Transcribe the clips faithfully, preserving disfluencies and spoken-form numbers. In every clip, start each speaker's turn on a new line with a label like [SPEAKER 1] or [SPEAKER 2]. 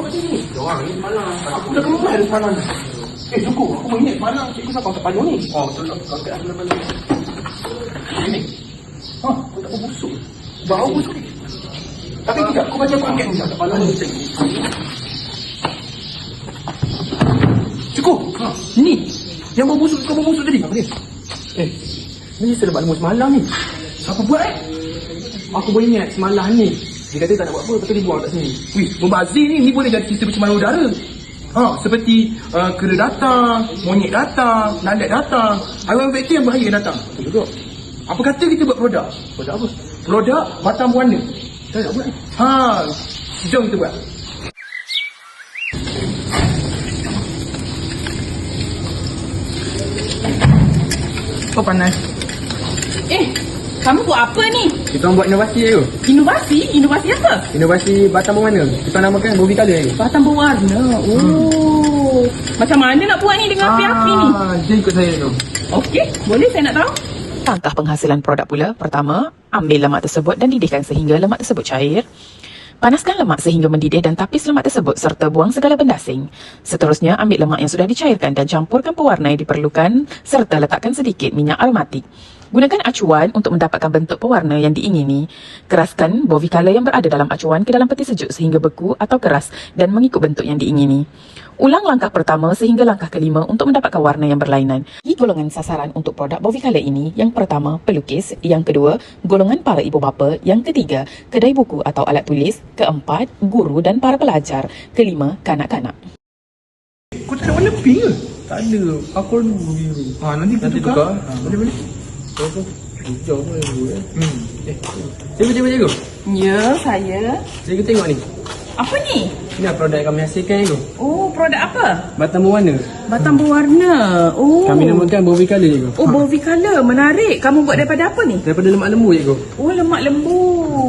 [SPEAKER 1] ni? Orang ni semalam. Aku dah kembali dari semalam. Eh, cukup. Aku mengingat semalam cikgu sampai angkat panu ni. Oh, betul tak? Angkat aku lepas ni. Ini. Ha, aku tak berbusuk. Bau busuk ni. Tapi tidak, aku baca aku angkat ni. Angkat panu ni. Cukup. Ha, ini. Yang bau busuk, kau bau busuk tadi. Apa dia? Eh, ni selebat lembu semalam ni. Siapa buat eh? Aku boleh ingat semalam ni. Dia kata tak nak buat apa, lepas tu dia buang kat sini. Wih, membazir ni, ni boleh jadi cerita pencemaran udara. Ha, seperti uh, kera datang, monyet datang, lalat datang, haiwan vektor yang bahaya datang. Betul juga. Apa kata kita buat produk? Produk apa? Produk batang berwarna. Kita nak buat. Ha, jom kita buat. Oh, panas.
[SPEAKER 2] Eh, kamu buat apa ni?
[SPEAKER 1] Kita orang buat inovasi je.
[SPEAKER 2] Inovasi? Inovasi apa?
[SPEAKER 1] Inovasi batang berwarna. Kita namakan Bobby Color ni.
[SPEAKER 2] Batang berwarna. Oh. Hmm. Macam mana nak buat ni dengan api-api ni?
[SPEAKER 1] Ah, dia ikut saya tu.
[SPEAKER 2] Okey, boleh saya nak tahu?
[SPEAKER 3] Langkah penghasilan produk pula. Pertama, ambil lemak tersebut dan didihkan sehingga lemak tersebut cair. Panaskan lemak sehingga mendidih dan tapis lemak tersebut serta buang segala benda asing. Seterusnya, ambil lemak yang sudah dicairkan dan campurkan pewarna yang diperlukan serta letakkan sedikit minyak aromatik. Gunakan acuan untuk mendapatkan bentuk pewarna yang diingini. Keraskan Bovie Color yang berada dalam acuan ke dalam peti sejuk sehingga beku atau keras dan mengikut bentuk yang diingini. Ulang langkah pertama sehingga langkah kelima untuk mendapatkan warna yang berlainan. Di golongan sasaran untuk produk Bovie Color ini, yang pertama, pelukis. Yang kedua, golongan para ibu bapa. Yang ketiga, kedai buku atau alat tulis. Keempat, guru dan para pelajar. Kelima, kanak-kanak.
[SPEAKER 1] Kau tak ada warna pink ke? Tak ada. Aku ada biru. Ha, nanti kita
[SPEAKER 4] Nanti
[SPEAKER 1] tukar.
[SPEAKER 4] tukar.
[SPEAKER 1] Ha, boleh boleh.
[SPEAKER 4] Apa? Hijau pun ada dulu eh.
[SPEAKER 1] Hmm.
[SPEAKER 4] Eh, cikgu, cikgu, cikgu.
[SPEAKER 2] Ya, saya.
[SPEAKER 4] Cikgu tengok ni.
[SPEAKER 2] Apa ni?
[SPEAKER 4] Ini produk yang kami hasilkan cikgu.
[SPEAKER 2] Oh, produk apa?
[SPEAKER 4] Batang berwarna.
[SPEAKER 2] Batang berwarna. Oh.
[SPEAKER 4] Kami namakan Bovie Color cikgu.
[SPEAKER 2] Oh, Bovie Color. Menarik. Kamu buat daripada apa ni?
[SPEAKER 4] Daripada lemak lembu cikgu.
[SPEAKER 2] Oh, lemak lembu.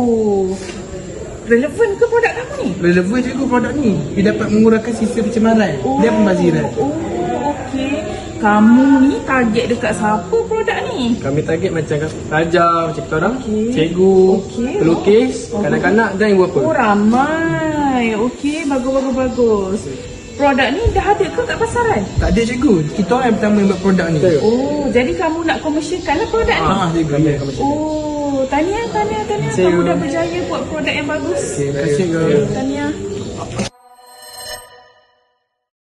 [SPEAKER 2] Relevan ke produk kamu ni?
[SPEAKER 4] Relevan cikgu produk ni. Dia dapat mengurangkan sisa pencemaran. Dia pembaziran.
[SPEAKER 2] Oh, okey. Kamu ni target dekat siapa produk ni?
[SPEAKER 4] Kami target macam raja, macam kita orang,
[SPEAKER 2] Okey.
[SPEAKER 4] cikgu,
[SPEAKER 2] Okey.
[SPEAKER 4] pelukis, kanak-kanak dan ibu bapa.
[SPEAKER 2] Oh, ramai. Okey, bagus, bagus, bagus. Produk ni dah ada ke kat pasaran?
[SPEAKER 4] Tak ada cikgu. Kita orang yang pertama yang buat produk ni.
[SPEAKER 2] Oh, jadi kamu nak komersialkan lah produk ni?
[SPEAKER 4] Ah, cikgu. Kami akan macam
[SPEAKER 2] Oh, tahniah, tahniah, tahniah.
[SPEAKER 4] Terima kasih,
[SPEAKER 2] Kamu
[SPEAKER 4] cikgu.
[SPEAKER 2] dah berjaya buat produk yang bagus.
[SPEAKER 4] Terima kasih cikgu.
[SPEAKER 2] Tahniah.